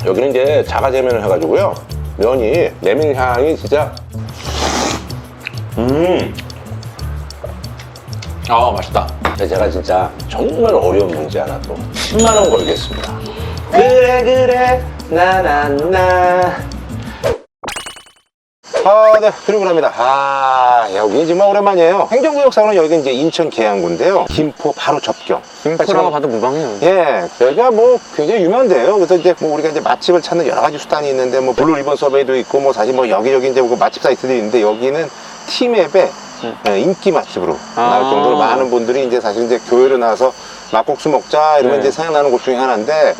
여기는 이제 자가제면을 해가지고요. 면이 메밀 향이 진짜 아 맛있다. 제가 진짜 정말 어려운 문제 하나 또 10만 원 걸겠습니다. 그래 나나나. 네, 드리고 합니다. 여기 정말 오랜만이에요. 행정구역상으로 여기가 이제 인천 계양구인데요. 김포 바로 접경. 김포라고 봐도 무방해요. 예, 여기가 뭐 굉장히 유명한데요. 그래서 이제 뭐 우리가 이제 맛집을 찾는 여러 가지 수단이 있는데 뭐 블루 리본 서베이도 있고 뭐 사실 뭐 여기저기 이제 뭐 맛집 사이트들이 있는데 여기는 티맵에 인기 맛집으로 나올 정도로 많은 분들이 이제 사실 이제 교회로 나와서 막국수 먹자 이러면 이제 생각나는 곳 중에 하나인데.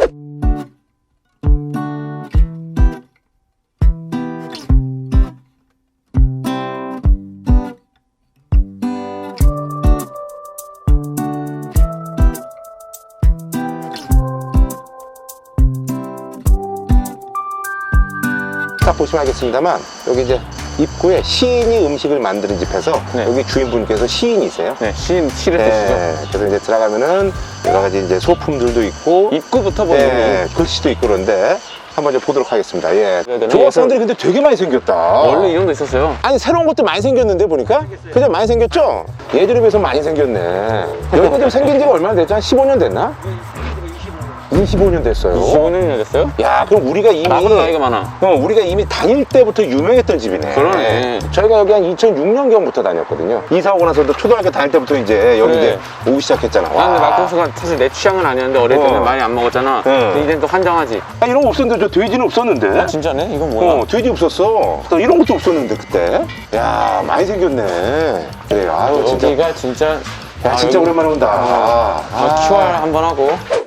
딱 보시면 알겠습니다만 여기 이제 입구에 시인이 음식을 만드는 집에서 여기 주인분께서 시인이세요. 네, 시를 쓰시죠. 그래서 이제 들어가면은 여러 가지 이제 소품들도 있고 입구부터 보면 글씨도 있고 그런데 한번 이제 보도록 하겠습니다. 예. 그래야 되나? 조각상들이 근데 되게 많이 생겼다. 원래 이런 거 있었어요. 아니 새로운 것도 많이 생겼는데 보니까 그죠? 많이 생겼죠? 예전에 비해서 많이 생겼네. 여기가 좀 생긴 지가 얼마나 됐죠? 한 15년 됐나? 25년 됐어요. 25년이나 됐어요? 야, 그럼 우리가 이미 나보다 나이가 많아. 우리가 이미 다닐 때부터 유명했던 집이네. 그러네. 저희가 여기 한 2006년경부터 다녔거든요. 이사 오고 나서도 초등학교 다닐 때부터 이제 여기 그래. 이제 오기 시작했잖아. 나 근데 막국수가 사실 내 취향은 아니었는데 어릴 때는 많이 안 먹었잖아. 근데 이제는 또 환장하지. 이런 거 없었는데 저 돼지는 없었는데. 진짜네? 이건 뭐야? 돼지 없었어. 또 이런 것도 없었는데 그때. 야, 많이 생겼네. 그래, 아유 진짜. 여기가 진짜 야, 진짜 오랜만에 온다. QR 한번 하고.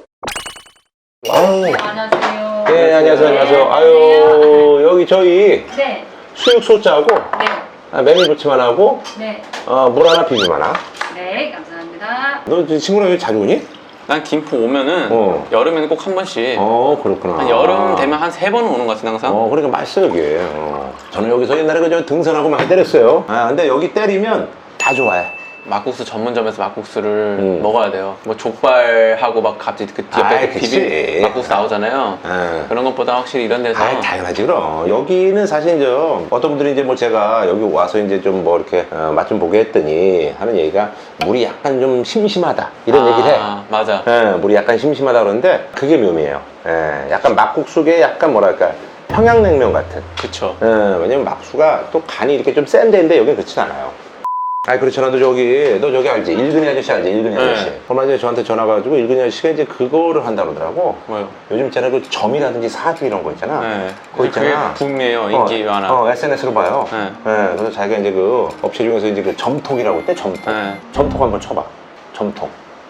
아유. 안녕하세요. 네, 안녕하세요. 아유, 여기 저희 네. 수육 소자하고 네. 메밀 부침하나하고 네. 물 하나 비빔 하나. 네. 감사합니다. 너 친구랑 여기 자주 오니? 난 김포 오면은 여름에는 꼭 한 번씩. 그렇구나. 한 여름 되면 한 3번 오는 것 같은데 항상. 그러니까 맛있어 여기. 저는 여기서 옛날에 그저 등산하고 많이 때렸어요. 근데 여기 때리면 다 좋아해. 막국수 전문점에서 막국수를 먹어야 돼요. 뭐 족발하고 막 갑자기 그 옆에 비빔 막국수 나오잖아요. 그런 것보다 확실히 이런 데서. 당연하지 그럼. 여기는 사실 이제 어떤 분들이 이제 뭐 제가 여기 와서 이제 좀 뭐 이렇게 맛 좀 보게 했더니 하는 얘기가 물이 약간 좀 심심하다 이런 얘기를 해. 맞아. 물이 약간 심심하다 그러는데 그게 묘미예요. 약간 막국수계 약간 뭐랄까 평양냉면 같은. 그쵸. 왜냐면 막수가 또 간이 이렇게 좀 센 데인데 여기는 그렇진 않아요. 그렇잖아. 너 저기 알지? 일근이 아저씨 알지? 일근이 아저씨. 얼마 전에 저한테 전화가 가지고 일근이 아저씨가 이제 그거를 한다고 그러더라고. 뭐요? 요즘 있잖아. 그 점이라든지 사주 이런 거 있잖아. 그거 그게 있잖아. 붐이에요. 인기 많아. SNS로 봐요. 그래서 자기가 이제 그 업체 중에서 이제 그 점톡이라고 했대. 점톡. 점톡 한번 쳐봐. 점톡.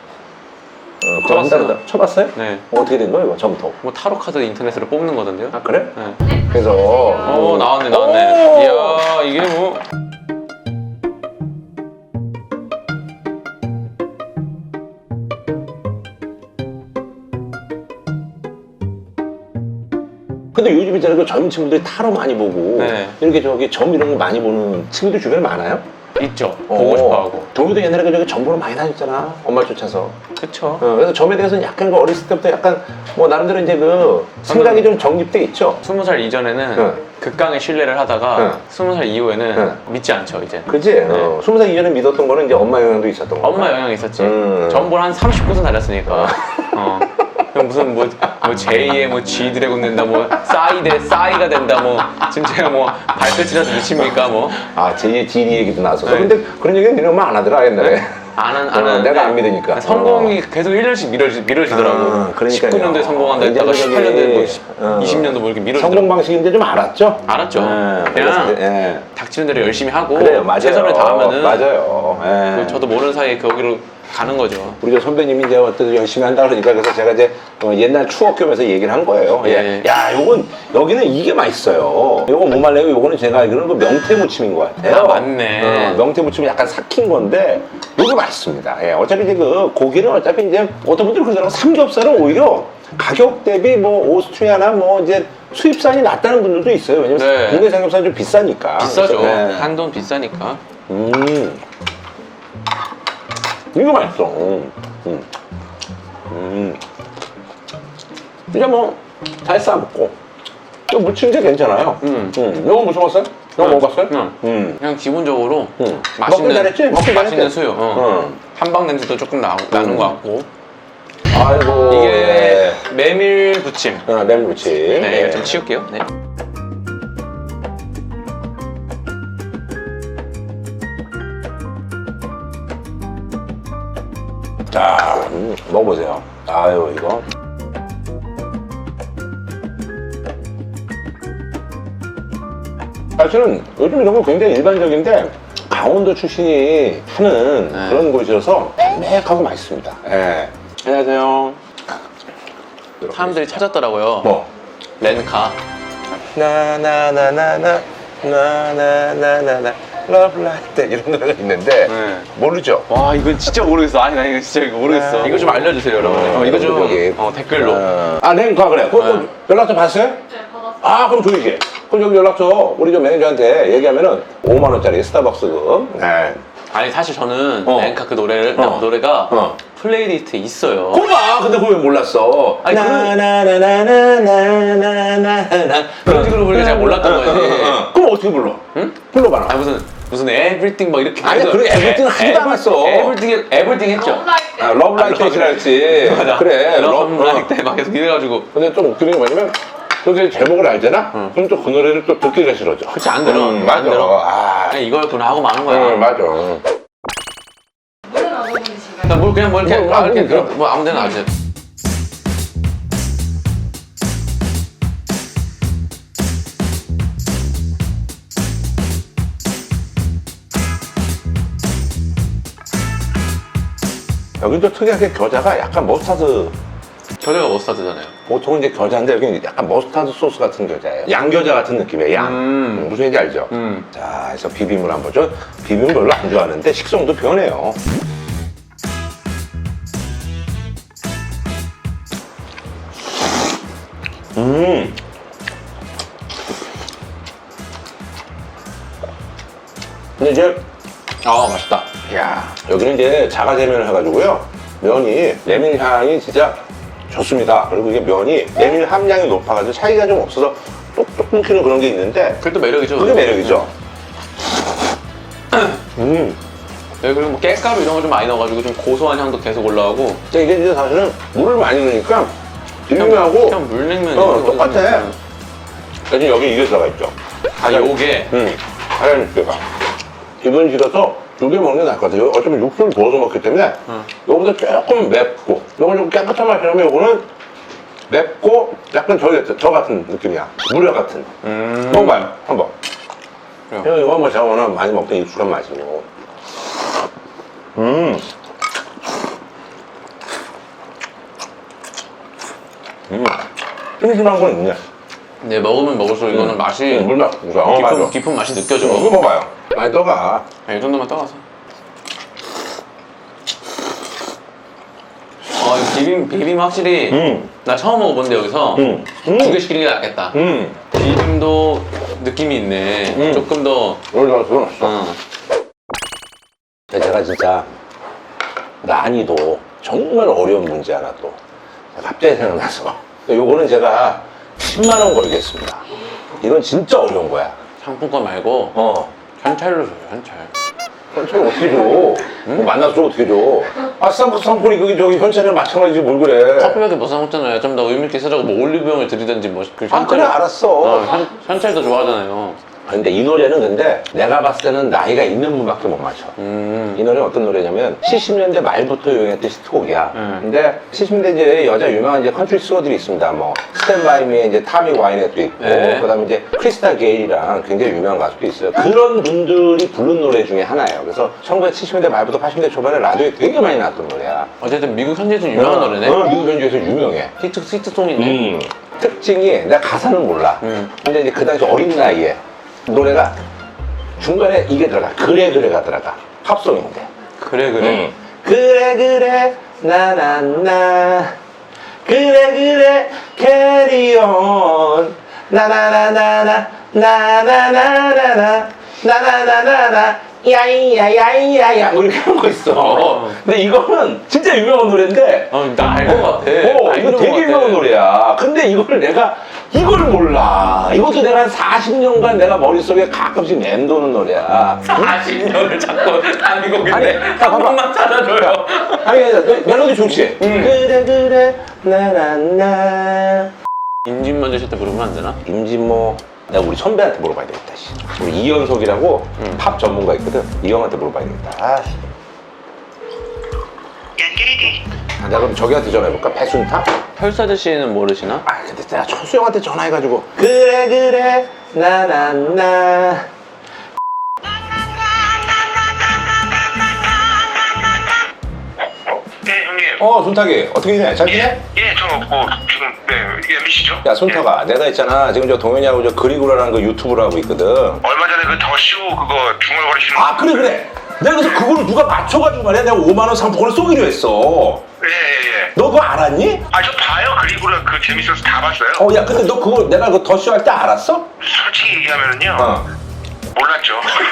쳐봤어요. 쳐봤어요? 네. 어떻게 된 거예요, 이거 점톡? 뭐 타로 카드 인터넷으로 뽑는 거던데요? 그래? 네. 그래서. 나왔네. 이야, 이게 뭐. 근데 요즘 있잖아요. 그 젊은 친구들이 타로 많이 보고 이렇게 저기 점 이런 거 많이 보는 친구들 주변에 많아요? 있죠. 보고 싶어 하고. 동료도 옛날에 그 저기 점 보러 많이 다녔잖아. 엄마 쫓아서. 그쵸. 그래서 점에 대해서는 약간 그 어렸을 때부터 약간 뭐 나름대로 이제 그 생각이 좀 정립돼 있죠. 20살 이전에는 극강의 신뢰를 하다가 20살 이후에는 믿지 않죠, 이제. 그치? 20살 이전에 믿었던 거는 이제 엄마 영향도 있었던 거. 엄마 영향이 있었지. 점볼 한 30곳은 다녔으니까. 무슨 뭐 제2의 뭐 G 드래곤 된다, 뭐 싸이가 된다, 뭐 진짜 뭐 발끝이라서 미칩니까, 뭐. 제2의 G리 얘기도 나왔었어. 근데 그런 얘기는 니네 엄마 안 하더라 옛날에. 안 하는데 내가 안 믿으니까. 성공이 계속 1년씩 미뤄지더라고. 그러니까요. 19년도에 성공한다 했다가 18년도에 뭐 20년도 뭐 이렇게 미뤄지더라고. 성공 방식인데 좀 알았죠? 알았죠. 그냥 닥치는 대로 열심히 하고 그래요, 맞아요. 최선을 다하면은 맞아요. 저도 모르는 사이에 거기로 가는 거죠. 우리 저 선배님이 이제 어떤 열심히 한다 그러니까 그래서 제가 이제 옛날 추억 겸해서 얘기를 한 거예요. 야, 여기는 이게 맛있어요. 요거 뭐 말래요? 요거는 제가 알기로는 그 명태무침인 것 같아요. 맞네. 명태무침이 약간 삭힌 건데 요게 맛있습니다. 어차피 이제 그 고기는 어차피 이제 어떤 분들이 그러더라고. 삼겹살은 오히려 가격 대비 뭐 오스트리아나 뭐 이제 수입산이 낫다는 분들도 있어요. 왜냐면 국내 삼겹살은 좀 비싸니까. 비싸죠. 한돈 비싸니까. 이거 맛있어. 진짜 뭐 잘 싸먹고 또 무친 게 괜찮아요. 이거 무쳐 봤어요? 이거 먹어봤어요? 그냥 기본적으로 먹긴 맛있는 잘했지? 먹긴 맛있는 잘했지? 수육. 한방 냄새도 조금 나는 것 같고. 아이고. 이게 메밀 부침. 메밀무침. 네, 이거 좀 치울게요. 네. 자, 먹어보세요. 아유, 이거. 사실은 요즘 이런 거 굉장히 일반적인데 강원도 출신이 하는 네. 그런 곳이어서 담백하고 맛있습니다. 예. 안녕하세요. 사람들이 찾았더라고요. 뭐? 렌카. 나나나나나 나나나나나 Love Like That 이런 노래가 있는데 네. 모르죠? 와, 이건 진짜 모르겠어. 아니, 나 이거 진짜 이거 모르겠어. 이거 좀 알려주세요, 여러분. 이거 좀 여기. 댓글로. 랭카 그래. 네. 연락처 봤어요? 네, 받았어요. 아, 그럼 줘야지. 그럼 여기 연락처 우리 좀 매니저한테 얘기하면은 5만 원짜리 스타벅스금. 네. 아니, 사실 저는 렌카 그 어. 노래가 플레이리스트에 있어요. 고마. 근데 그걸 왜 몰랐어? 아니, 나나나나나나나나나 그런 식으로 부르니까 잘 몰랐던 거지. 그럼 어떻게 불러? 응? 불러봐라. 아, 무슨 everything 막 이렇게. 아니야, 그래, everything 하지도 않았어. everything 했죠. 아, Love Like That이라 했지. 맞아. 그래. Love Like That 막 계속 이래가지고. 근데 좀 웃기는 게 뭐냐면 그게 제목을 알잖아? 그럼 또 그 노래를 또 듣기가 싫어져. 그치, 안 들어. 맞아. 안 들어. 아, 그냥 이거였구나 하고 마는 거야. 맞아. 물은 어느 분이신가요? 나 뭘 그냥 뭐 이렇게, 뭐, 이렇게 뭐, 뭐 아무 데나 앉아. 여기도 특이하게 겨자가 약간 머스타드, 겨자가 머스타드잖아요. 보통은 이제 겨자인데 여기는 약간 머스타드 소스 같은 겨자예요. 양겨자 같은 느낌이에요, 양. 무슨 얘기인지 알죠? 자, 그래서 비빔을 한번 줘. 비빔 별로 안 좋아하는데 식성도 변해요. 근데 이제 아, 맛있다. 야, 여기는 이제 자가제면을 해가지고요. 면이 메밀 향이 진짜 좋습니다. 그리고 이게 면이 메밀 함량이 높아가지고 차이가 좀 없어서 똑똑 끊기는 그런 게 있는데 그게 또 매력이죠. 그게 매력이죠. 네, 그리고 뭐 깻가루 이런 거 좀 많이 넣어가지고 좀 고소한 향도 계속 올라오고. 근데 이게 이제 사실은 물을 많이 넣으니까 비빔면하고 그냥 물냉면. 똑같아. 대신 여기 이게 들어가 있죠. 아, 요게. 하얀 육개가. 기분 싫어서 두 개 먹는 게 나을 것 같아요. 어쩌면 육수를 부어서 먹기 때문에 요거보다 조금 맵고 요건 좀 깨끗한 맛이라면 요거는 맵고 약간 저 같은 느낌이야. 무려 같은. 먹어봐요. 한번. 그래요. 이거 뭐 제가 워낙 많이 먹던 익숙한 맛이고. 심심한 건 있네. 네, 먹으면 먹을수록 이거는 맛이 물맛. 맞아. 깊은 맛이 느껴져. 이거 먹어봐요. 많이 떠가. 이 정도만 떠가서. 비빔 확실히 나 처음 먹어보는데 여기서 두 개 시키는 게 낫겠다. 비빔도 느낌이 있네. 조금 더. 들어놨어. 제가 진짜 난이도 정말 어려운 문제 하나 또 갑자기 생각나서 요거는 제가 10만 원 걸겠습니다. 이건 진짜 어려운 거야. 상품권 말고 현찰로 줘요, 현찰. 현찰을 어떻게 줘? 뭐 만나서 어떻게 줘? 아, 쌍꺼쌍꺼리 그게 저기 현찰이랑 마찬가지지 뭘 그래. 커피밖에 못 사먹잖아요. 좀 더 의미있게 쓰자고 뭐 올리브영을 드리든지 뭐. 아, 그래, 알았어. 현찰도 좋아하잖아요. 근데 이 노래는 근데 내가 봤을 때는 나이가 있는 분밖에 못 맞춰. 이 노래는 어떤 노래냐면 70년대 말부터 유행했던 히트곡이야. 근데 70년대 이제 여자 유명한 이제 컨트리 싱어들이 있습니다. 뭐 스탠 바이 미의 이제 타미 와이넷도 있고 그다음에 이제 크리스타 게일이랑 굉장히 유명한 가수도 있어요. 그런 분들이 부른 노래 중에 하나예요. 그래서 1970년대 말부터 80년대 초반에 라디오에 되게 많이 나왔던 노래야. 어쨌든 미국 현지에서 유명한 노래네. 미국 현지에서 유명해. 히트송이네. 특징이 내가 가사는 몰라. 근데 이제 그 당시 어린 나이에 노래가 중간에 이게 들어가. 그래가 들어가. 팝송인데. 그래. 그래 나나나 그래 carry on 나나나나나 나나나나나 나나나나나 야이야야이야야 뭐 이렇게 하는 거 있어. 근데 이거는 진짜 유명한 노래인데 나 알 것 같아. 이거 되게 유명한 노래야. 근데 이걸 내가 이걸 몰라. 이것도 내가 한 40년간 내가 머릿속에 가끔씩 맴도는 노래야. 40년을 자꾸 한국인데 아니, 한 봐봐. 번만 찾아줘요. 아니 멜로디 좋지? 그래 그래 나나나 임진만 주실 때 부르면 안 되나? 임진모 내가 우리 선배한테 물어봐야 되겠다. 씨. 우리 이현석이라고 팝 전문가 있거든. 이 형한테 물어봐야 되겠다. 아, 내가 그럼 저기한테 전화해볼까? 배순탁? 펄사드 씨는 모르시나? 아 근데 내가 철수 형한테 전화해가지고 그래 그래 나나나 네, 형님. 손탁이 어떻게 지내? 잘 지내? 예, 저 지금 이게 MBC죠? 야 손탁아 내가 있잖아 지금 저 동현이하고 저 그리고라는 그 유튜브를 하고 있거든. 얼마 전에 그 더쇼 그거 중얼거리시는 아 그래 내가 그래서 그거를 누가 맞춰가지고 말이야 내가 5만 원 상품권을 쏘기로 했어. 예. 너 그거 알았니? 아, 저 봐요. 그리고라 그 재밌어서 다 봤어요. 야 근데 너 그거 내가 그 더쇼 할 때 알았어? 솔직히 얘기하면은요. 몰랐죠.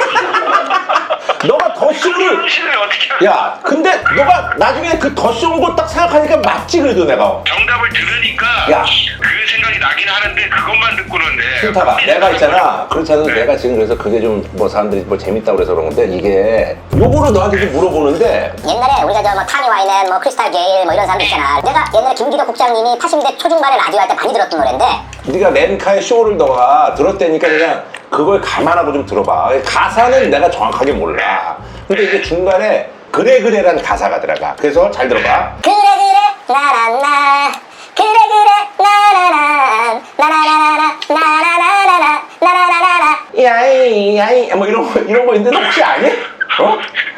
너가 더쇼를 당신을 어떻게 알아? 야 근데 너가 나중에 그 더쇼 온 거 딱 생각하니까 맞지 그래도 내가. 정답을 들으니까 야. 그 생각이 나긴 하는데 그것만 듣고는 순타가 내가 있잖아 그렇지 않아도 네. 내가 지금 그래서 그게 좀 뭐 사람들이 뭐 재밌다고 그래서 그런 건데 이게 요거를 너한테 좀 물어보는데 옛날에 우리가 저 뭐 타니 와이넨, 뭐 크리스탈 게일 뭐 이런 사람들 있잖아. 내가 옛날에 김기덕 국장님이 80대 초중반에 라디오 할 때 많이 들었던 노래인데 네가 렌카의 쇼를 너가 들었다니까 그냥 그걸 감안하고 좀 들어봐. 가사는 내가 정확하게 몰라. 근데 이게 중간에 그래 그래라는 가사가 들어가. 그래서 잘 들어봐. 그래 그래 나나나 그래 그래 나나나 나나나나나 나나나나나 나나나나나 야이 야이 뭐 이런 거 있는데 혹시 아니? 어?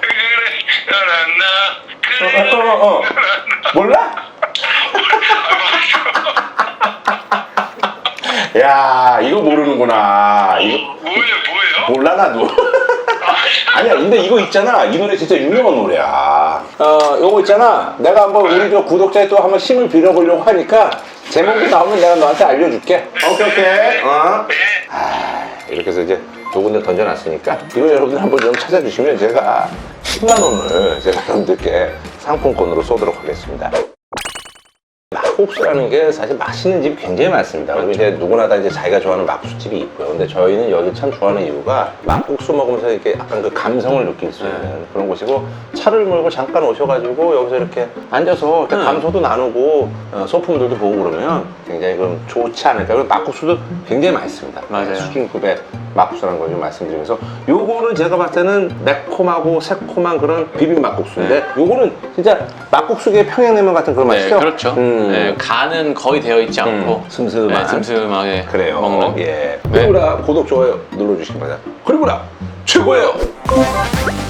그래, 나나 몰라? 야 이거 모르는구나. 이거 뭐예요? 몰라 나도. 아니야 근데 이거 있잖아 이 노래 진짜 유명한 노래야. 요거 있잖아 내가 한번 우리 저 구독자에 또 한번 힘을 빌어보려고 하니까 제목이 나오면 내가 너한테 알려줄게. 오케이. 이렇게 해서 이제 두 군데 던져놨으니까 이거 여러분들 한번 좀 찾아주시면 제가 10만 원을 제가 여러분들께 상품권으로 쏘도록 하겠습니다. 막국수라는 게 사실 맛있는 집이 굉장히 많습니다. 그리고 이제 누구나 다 이제 자기가 좋아하는 막국수집이 있고요. 근데 저희는 여기 참 좋아하는 이유가 막국수 먹으면서 이렇게 약간 그 감성을 느낄 수 있는 그런 곳이고 차를 몰고 잠깐 오셔가지고 여기서 이렇게 앉아서 이렇게 감소도 나누고 소품들도 보고 그러면 굉장히 그럼 좋지 않을까. 그리고 막국수도 굉장히 맛있습니다. 맞아요. 수준급의 막국수라는 걸 좀 말씀드리면서 요거는 제가 봤을 때는 매콤하고 새콤한 그런 비빔 막국수인데 요거는 진짜 막국수계의 평양냉면 같은 그런 네, 맛이죠? 그렇죠. 네, 간은 거의 되어 있지 않고 슴슴한. 네, 슴슴하게 그래요. 먹는. 예. 네. 그리고라 구독 좋아요 눌러주시기 바랍니다. 그리고라 최고예요.